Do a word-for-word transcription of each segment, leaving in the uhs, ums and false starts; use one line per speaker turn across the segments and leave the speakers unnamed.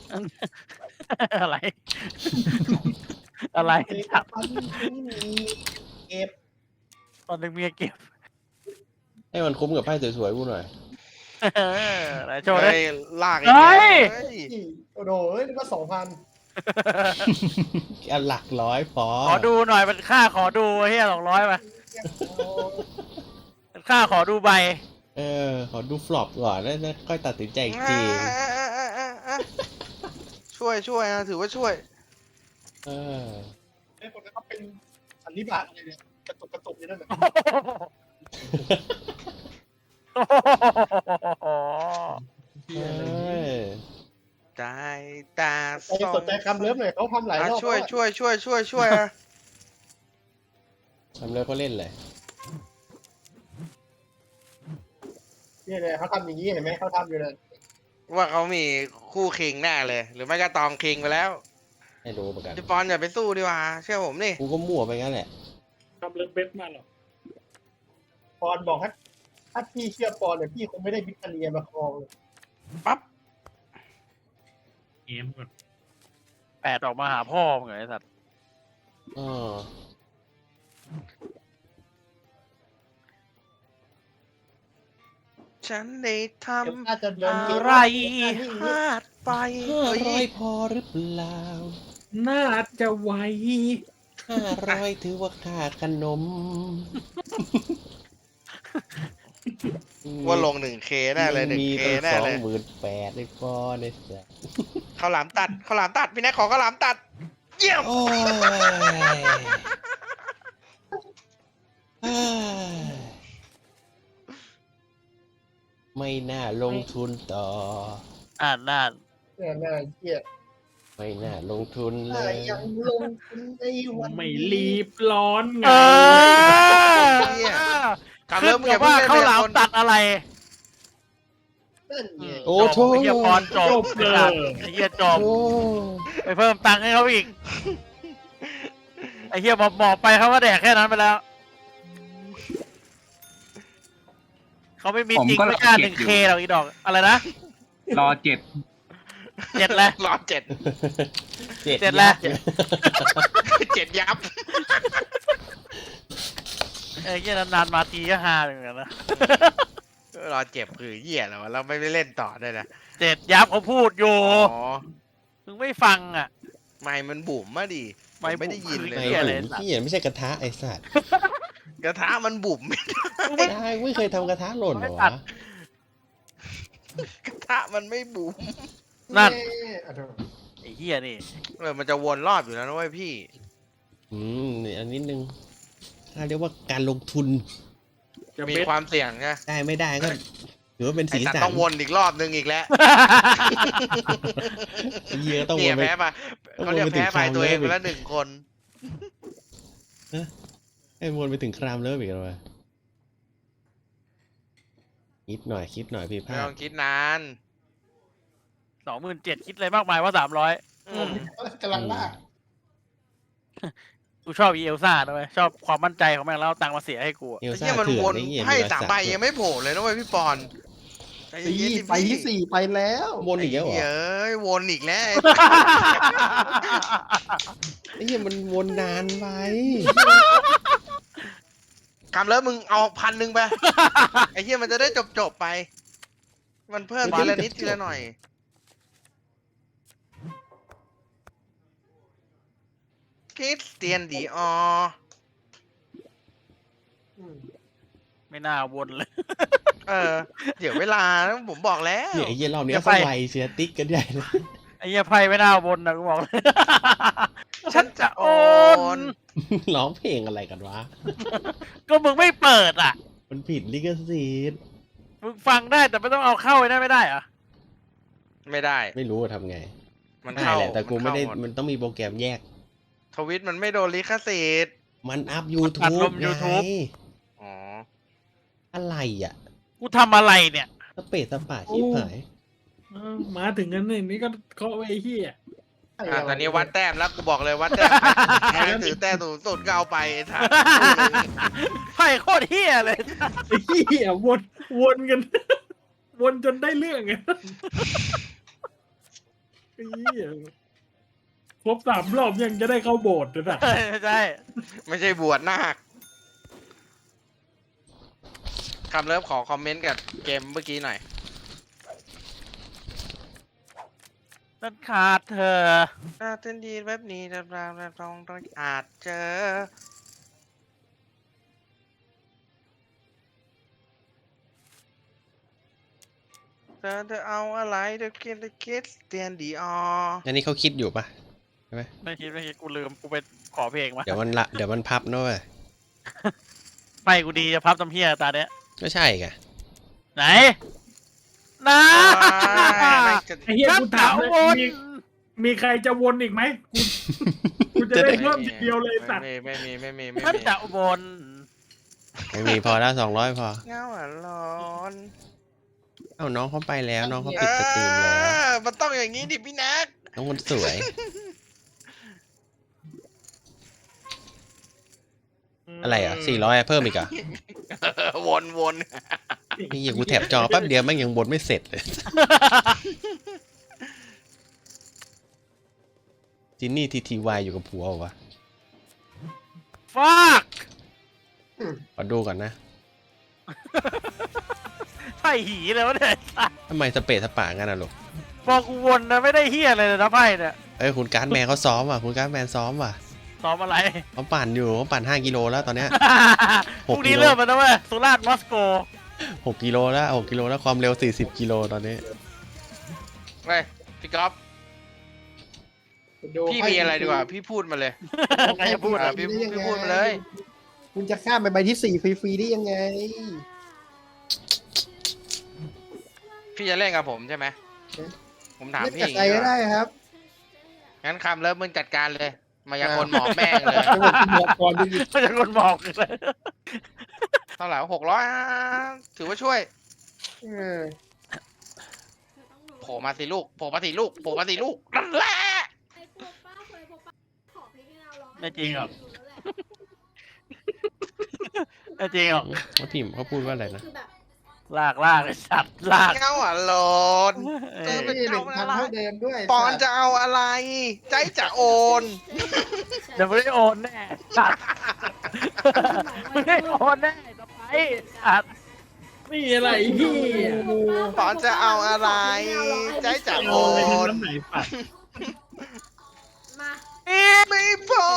อะไรอะไรจับ
ตอนนี้มีเก็บ
ตอนหนึ่งเมียเก็บ
ให้มันคุ้มกับไพ่สวยๆกูหน่อย
ไหนโชว์
เฮ้
ดิ
ยลากอี
เฮ้
กแล้ว
ย
เฮ้ย
โอ้โหเอ้ยนี่ก็สองพัน
อันหลักร้อยพอ
ขอดูหน่อยมันค่าขอดูเฮียสองร้อยมามันค่าขอดูใบ
เออขอดูฟลอปก่อนแล้วค่อยตัดสินใจอีกที
ช่วยช่วยนะถือว่าช่วย
เออ
ไอ้คนนั้นก็เป็นสันนิบาตอะไรเนี่ยกระตุกกระตุกอยู่นั่นแหละ
เออ
ได้ตา
ใครสนใจคำเลิฟหน่อยเขาทำหลายรอบ
ช่วยช่วยช่วยช่วยช่วยอะ
ทำเลยเขาเล่นเลย
เนี่ยเลยเขาทำอย่างนี้เห็นไหมเขาทำอยู่เลย
ว่าเขามีคู่คิงแน่เลย หรือไม่ก็ตองคิงไปแล้ว
ให้รู้ประกัน
พี่ปอนอย่าไปสู้ดีกว่าเชื่อผมนี่
กูก็มั่วไปงั้นแหละ
ทำเลิฟเว็บมาหรอ
ปอนบอกให้ถ้าพี่เชื่อปอนเนี่ยพี่คงไม่ได้วิทเนียมาครองเลย
ปั๊บ
เกมก่อน
แปดออกมาหาพ่อมึงเหรอไอ้สัตว์
เออ
ฉันได้ท
เดี๋ยวน่าจะโดน
ำ
เกม
อะไรพลาดไป
ห้า
เฮ้
ร้อย
ย
พอหรือเปล่า
น่าจะไว
ห้าร้อยถือว่าค่าขนม
ว่าลงหนึ่งเคแน่เลยหนึ่ง
มี
เค
ตั้ง
แน่
สอง
เลย
หมื่นแปดเลยพอเนี่ยจ้ะ
ข้าวหลามตัดข้าวหลามตัดพี่แน็กขอข้าวหลามตัด เยี่ยม
โอ้ยเอ้ยไม่น่าลงทุนต่อ
อ่านน่าน
เนี่ยน่าเกลียด
ไม่น่าลงทุนเล
ถ้าย ยังลงทุนในวัน
ไม่รีบร้อนไง
เออ
เนี่ย คำ
ขึ้
เริ่
น
ม
กั
อย่า
บ
เพิ่
ว่าง
เล่น
ข้าวห
เล
ลาม
ย
ตัดอะไร
นั่นไง
โอ้โถ
ไอ้เหี้ยปอนจบ
จบเลย
ไอ้เหี้ยจบ
โอ้
ไปเพิ่มตังค์ให้เขาอีก ไอ้เหี้ยบอกบอกไปเขาก็แดกแค่นั้นไปแล้ว เขาไม่มี
ผม
จริง
ก็
ไม่กล้า
เก็
หนึ่
บ
ง
อยู่
เคหรอกอีดอก อะไรนะ
รอเจ็ด
เจ็ดแล้ว
รอเจ็ด
เจ็ด
เจ็ดแล้ว
ยับ
เจ็ดยับ
ไอ้เหี้ยนานๆมาทีก็ฮาเหมือนกันนะ
รอเจ็บคือเหี้ยแล้ววะเราไม่ได้เล่นต่อด้วยนะ
เจ็ดยับเขาพูดอยู่
อ๋อ
มึงไม่ฟังอ่ะ
ไม่มันบุ๋มมาดิ
ไม่
ไม่ได้ยิน
บุ๋ม
เล
ไอ้
ย
หี้
ห
อะไร
นุ่ม
สัตว์
ที่เห็นไม่ใช่กระทะไอ้สัตว์
กระทะมันบุ๋ม
ไม่ได้ไม่เคยทำกระทะหล่นเหรอวะ
กระทะมันไม่บุ๋ม
นั่น
เย้อ่ะเถอะ
ไอ้เหี้ยนี่
เออมันจะวนรอบอยู่แล้วนะเว้ยพี่
อืมนี่อันนิดนึงถ้าเรียกว่าการลงทุน
จะ
มี
เบ็ด
ความเสี่ยงนะ
ได้ไม่ได้ก็ถือว่าเป็น
ไอ้
สี
สัต
สั
ว์
น
ต้องวนอีกรอบนึงอีกแล้ว
ไอ้เหี้ยต้องว
เนี่ย
นไป
แพ้ไป
ต้อง
เขาเรียก
วนไปถึ
แพ้
ง
ไป
คราม
ตัวเอง
เลิ
ไป
ฟอีก
แล้วหนึ่งคน
ให้วนไปถึงครามเลิฟอีกแล้ววะคิดหน่อยคิดหน่อยพี่
ไม่
ภาพ
ต้องคิดนาน
สองหมื่นเจ็ดคิดอะไรมากมายว่าสามร้อย
อืม
กำลังลาก
กูชอบอีเอลซ่าด้วยชอบความมั่นใจของแม่งแล้วเอาตังค์มาเสียให้กูอะ
เอล
ไอ้
ซ่า
เหี้ยมัน
เถื่อ
วน น
ไอ้เหี้ย
ให้
มีรอย
สาม
สัก
ใบ
ด้ว
ยังไม่โผล่เลยนะเว้ยพี่ปอนใจ
สี่
เย็นๆดิ
ไปที่
พี่
สี่ไปแล้ว
วนอีกแล้วเหรอ
เอ้ยวนอีกแล้ว
ไอ้เหี้ยมันวนนานไป
คำแล้วมึงเอาพันหนึ่งไป ไอ้เหี้ยมันจะได้จบจบๆไป มันเพิ่มทีละนิดทีละหน่อยคริสเตียนดีออ
อืม
ไม่น่าวนเลย
เออ เดี๋ยวเวลานะผมบอกแล้ว
เนี่ยไอ้เหี้ยรอบนี้
อย่า
เขา
ไป
ไวเสียติ๊กกันใหญ่เลย
ไอ้เหี้ยไพ่ไม่น่าวนนะกูบอกเลย
ฉันจะโอน
ร้องเพลงอะไรกันวะ
ก็มึงไม่เปิดอ่ะ
มันผิดลิขสิทธิ์
มึงฟังได้แต่ไม่ต้องเอาเข้าไว้ได้ไม่ได้เหรอ
ไม่ได้
ไม่รู้ว่าทำไง
มัน
ได้
เข้า
แหละแต่กูไม่ได้
นเข้าห
มันต้องมีโปรแกรมแยก
ทวิตมันไม่โดนลิขสิทธิ์
มันอัพ
อัด
YouTube
ลง YouTube
ไง
อ๋อ
อะไรอ่ะ
กูทำอะไรเนี่ย
สเปซสปาชิบหาย
เออมาถึงกันนี่นี่ก็เคาะไว้ไอ้เหี้ย
อ่ะตอนนี้วัดแต้มแล้วกูบอกเลยวัดแต้มใครถือแต้มสูงสุดก็เอาไปไอ้ท่าน
ไพ่โคตรเฮี้ยเลย
ไอ้เหี้ยวนวนกัน วนจนได้เรื่องไงไอ้เหี้ยครบสามรอบยังจะได้เข้าโบสถ์เลยนะ
ใช่
ไม่ใช่บวชนาคคำเริ่มขอคอมเมนต์กับเกมเมื่อกี้หน่อย
นั่นขาดเธอ
น่าเต้นดีเว็บนี้เราเราเราลองต้องอาจเจอเธอจะเอาอะไรเดี๋ยวคิดเดี๋ยวคิดเตียนดีออ
อันนี้เขาคิดอยู่ปะ
ไม่คิดไม่คิดกูลืมกูไปขอเพลงมา
เดี๋ยวมันละเดี๋ยวมันพับนะเว้ย
ไปกูดีจะพับตำเพียตาเนี้ย
ก็ใช่ไง
ไหนนะ
ไม่จะ
ไอ้เหี้ย
นับ
กู
ถา
ถามเลยว
ร
มีมีใครจะวนอีกไหมกูกูจะได้เพิ่มทีเดียวเลยสัตว์
ไม่มีไม่มีไม่มีไม่
นับ
มี
ถาวบน
ไม่มีพอแล้วสองร้อยพอ
เงาอ่ะร้อน
เอ้าน้องเขาไปแล้วน้องเขาปิดสตรีมแล้ว
เออมันต้องอย่างนี้ดิพี่แนัก
น้องคนสวย อะไรอ่ะสี่ร้อยเพิ่มอีกอ่ะ
วนวน
นี่ยังกูแถบจอแป๊บเดียวแม่งยังบนไม่เสร็จเลย จินนี่ทีทีวายอยู่กับผัวเหรอวะ
ฟาก
ขอดูก่อนนะ
ไพ่หีเลยวะเนี่ย
ทำไมสเปซสปางั้นอ่ะลูก
พอกูวนนะไม่ได้เฮียอะไรเลยนะไพ่เนี่ย
เอ้ยคุณการ์ดแมนเขาซ้อมว่ะคุณการ์ดแมนซ้อมว่ะ
ซ้อมอะไร
เขาปั่นอยู่เขาปั่นห้ากิโลแล้วตอนเนี้ย
พรุ่งนี้เริ่มแล้วนะเว้ยสุราษฎร์มอสโก
หกกิโลแล้วหกกิโลแล้วความเร็วสี่สิบกิโลตอนนี้
เฮ้ยพี่ก๊อฟพี่มีอะไรดีกว่า พี่พูดมาเลย
ใครจะพูด
อ่ะ
อ่ะ
พี่พี่พูดมาเลย
คุณจะข้ามไปใบที่สี่ฟรีๆได้ยังไง
พี่จะเล่นกับผมใช่ไหมผมถาม
เล่น
พี่
กับ
อย่าง
ใคร
นี้
ก็ได้ครับ
งั้นคำเริ่มมึงจัดการเลย มายากลหมอแม่งเลย
จังหวัดคุณบอกก่อนไปดิ
ไม่ใช่คนบอกเลย
เท่าไหร่หกร้อยถือว่าช่วย
เออ
โผล่มาสิลูกโผล่มาสิลูกโผล่มาสิลูกนั่นแหละ
ไม่จริงหรอกไม่จริงหรอก
เขาพิมพ์เขาพูดว่าอะไรนะ
ลากลากไอ้สัตว์ลาก
เงาอ่ะโหลน
เอ
เอ
อ
อ
ไม่ได้หนึ่งพันเท่าเดิมด้วย
ปอนจะเอาอะไร ใจจะโอน
เดี๋ยวไม่ได้โอนแน่สัตว์ไม่ได้โอนแน่ต่อไปสัตว์
นี่อะไรเหี้ย
ปอนจะเอาอะไร ใจจะโอ
โอน
น
น้ำไหนปัด
มา
ไม่พอ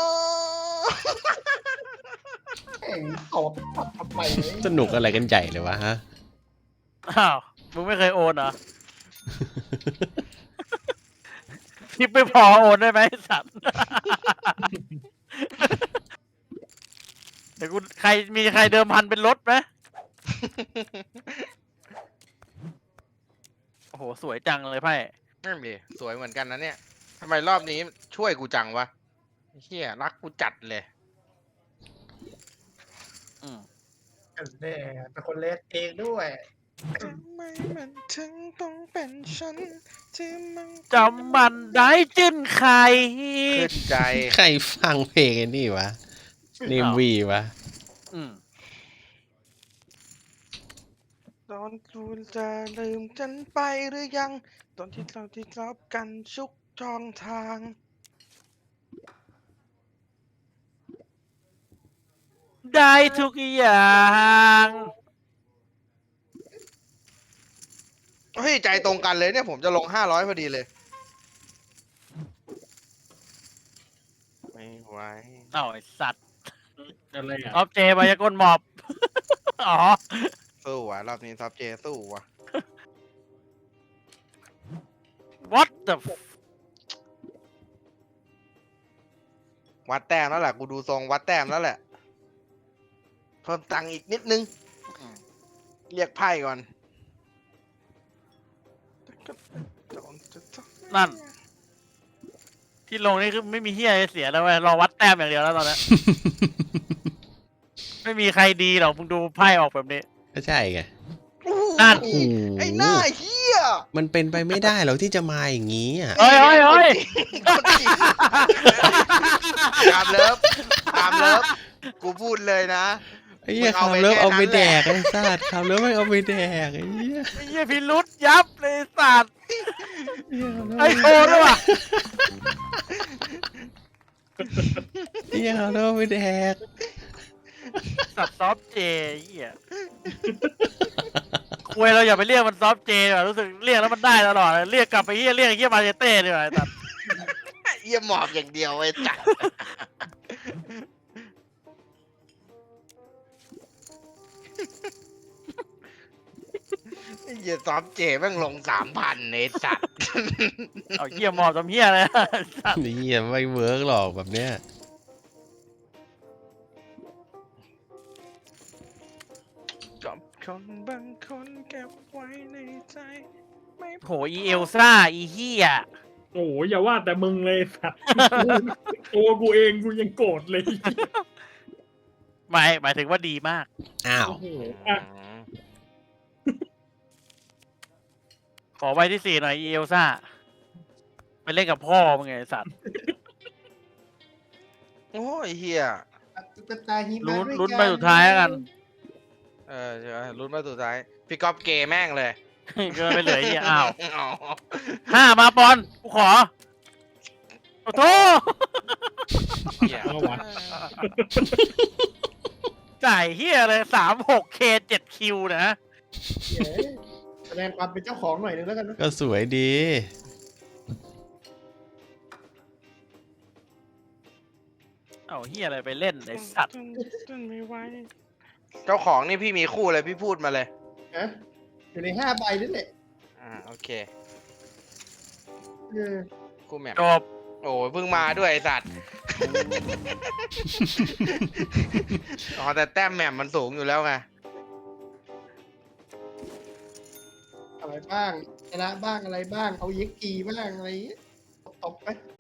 แข่งตอบตัดทำไมเนี่ย
สนุกอะไรกันใหญ่เลยวะฮะ
อ้าวมึงไม่เคยโอนเหรอทิปไม่พอโอนได้ไหมไอ้สัตว์เดี๋ยวกูใครมีใครเดิมพันเป็นรถไหมโอ้โหสวยจังเลยไพ่
นั่นดิสวยเหมือนกันนะเนี่ยทำไมรอบนี้ช่วยกูจังวะเฮียรักกูจัดเลย
อืม
แน่เป็นคนเลสเองด้วย
ทำไมมันถึงต้องเป็นฉันที่มัน
จำมันได้จิ้นใคร
ขึ้นใจ
ใครฟังเพลงไอ้นี่วะเนมวีวะ
อืม
ตอนคุณจะลืมฉันไปหรือยัง ตอนที่เราที่รับกันชุกช่องทาง
ได้ทุกอย่าง
เฮ้ย ใจตรงกันเลยเนี่ยผมจะลงห้าร้อยพอดีเลย ไม่ไหว
เอ้าไอสัตว์
อะไรอ่ะ
ออฟเจมายากลหมอบ อ๋อ
สู้ว่ะ รอบนี้ซับเจสู้ว่ะ
what the f-
วัดแต้มแล้วแหละ กูดูทรงวัดแต้มแล้วแหละ เพิ่มตังค์อีกนิดนึง เรียกไพ่ก่อน
นั่น ที่ลงนี่คือไม่มีเฮียอะไรเสียแล้วเว้ยรอวัดแต้มอย่างเดียวแล้วตอนนี้ ไม่มีใครดีหรอกมึงดูไพ่ออกแบบนี้
ก็ใช่ไง
นั่น
โอ้โห
ไอ้หน้าเฮีย
มันเป็นไปไม่ได้หรอกที่จะมาอย่างนี้อ่ะ
เฮ้ยเฮ้ยเฮ้ย
ตามเลิฟตามเลิฟ กูพูดเลยนะ
ไอ้เหี้ย
มึงเอา
คำ
ไป
เลิฟ
แค่
เอาไป
นั้นแห
แด
ละ
กไอ้สัตว์คำเลิฟไม่เอาไปแดกไอ้เหี้ย
ไอ้เหี้ยพิรุษยับเลยสัตว์
ไอ้
ไอ้โชว์ด้วยว่ะ
เหี้ยคำเลิฟเอาไปแดก
สัตว์ซอฟต์เจไอ้เหี้ยคุยเราอย่าไปเรียกมันซอฟต์เจดีกว่ารู้สึกเรียกแล้วมันได้ตลอดเลยเรียกกลับไปเหี้ยเรียกไอ้เหี้ยมาเชเต้ดีกว่าไอ้สัตว์
เยี่ยหมอบอย่างเดียวไอ้จัดไอ้เหี้ยซอฟเจแม่งลงสามพันไอ้สัตว์
เอาเหี้ยหมอบทำเหี้ยเลย สัตว์
นี่เหี้ยไม่เวิร์กหรอกแบบเนี้ย
กับคนบางคนเก็บไว้ในใจไม่
โหอีเอลซ่าอีเหี้ย
โอ้ยอย่าว่าแต่มึงเลยสัตว์ตัวกูเองกูยังโกรธเลย
หมายหมายถึงว่าดีมาก
อ้าว
โอ้โหอ่ะ
ขอใบที่สี่หน่อยอีเอลซ่าไปเล่นกับพ่อมึงไงไอ้สัตว์
โอ้ยเฮีย
ตุ๊กตาหิมะ
ลุ้น
ด้วย
ลุ้นไปสุดท้ายแล้วกัน
เออเดี๋ยวลุ้นมาสุดท้ายพี่ก๊อฟเกย์แม่งเลย
เกินไปเหลือไอ้เหี้ยอ้าว
อ๋อ
ห้ามาปอนกูขอโอ้โห
เหี้ย
เอาวะ
จ่ายเฮียเลยสามหกเคเจ็ดคิวนะ
เย้แสดงความเป็นเจ้าของหน่อยนึงแล้วกันนะ
ก็สวยดี
เอาเฮียอะไรไปเล่นไอสัตว์
เจ้าของนี่พี่มีคู่เลยพี่พูดมาเลย
นะอยู่ในห้าใบนั่นแหละ
อ่าโอเค
เออ
คู่แมป
จบ
โอ้ยเพิ่งมาด้วยไอสัตว์ อ๋อแต่แต้มแหม่มมันสูงอยู่แล้วไง
อะไรบ้างชนะบ้างอะไรบ้างเอาเย็กกีบ้างอะไรอย่างเงี้ยตบๆไป